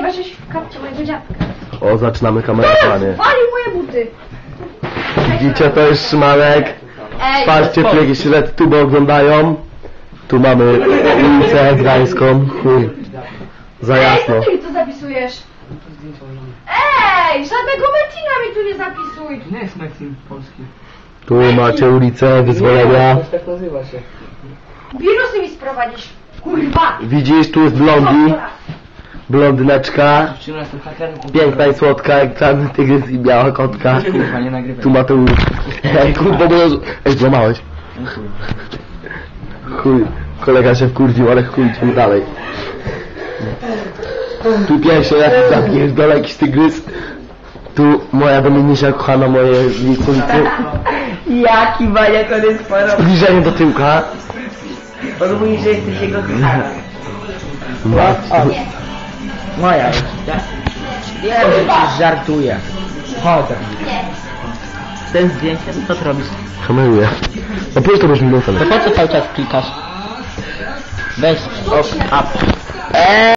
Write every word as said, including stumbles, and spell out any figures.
Zobaczysz w kapcie mojego dziadka. O, zaczynamy kamerowanie. Walił moje buty. Widzicie, to jest Szymanek. Ej, Patrzcie, tu jakieś tuby oglądają. Tu mamy ulicę Gdańską. Chuj. Za jasno. Ej, co ty mi tu zapisujesz? Ej, żadnego Marcina mi tu nie zapisuj. Nie jest Marcin polski. Tu macie ulicę Wyzwolenia. Tak nazywa się. Wirusy mi sprowadzisz. Kurwa. Widzisz, tu jest blondi. Blondyneczka. Dziewczyna jestem hakerem. Piękna i słodka jak czarny tygrys i biała kotka. Kurwa, nie nagrywaj. Tu Mateusz. Ej, kurwa, bo... Ej, złamałeś. Chuj. Kolega się wkurwił, ale chuj, idziemy dalej. Tu pierwszy jakiś zapierdolę, jakiś tygrys. Tu moja Dominisia kochana, moje licowice. Jaki baniak on jest porobił. Zbliżenie do tyłka. On mówi, że jesteś jego kochana. Matko. Moja już. Wiem, że ci żartuję. Chodzę. Ten zdjęcie, co ty robisz? Kameruję. No pójdź to już minutę. To po co cały czas klikasz? Weź ok, up.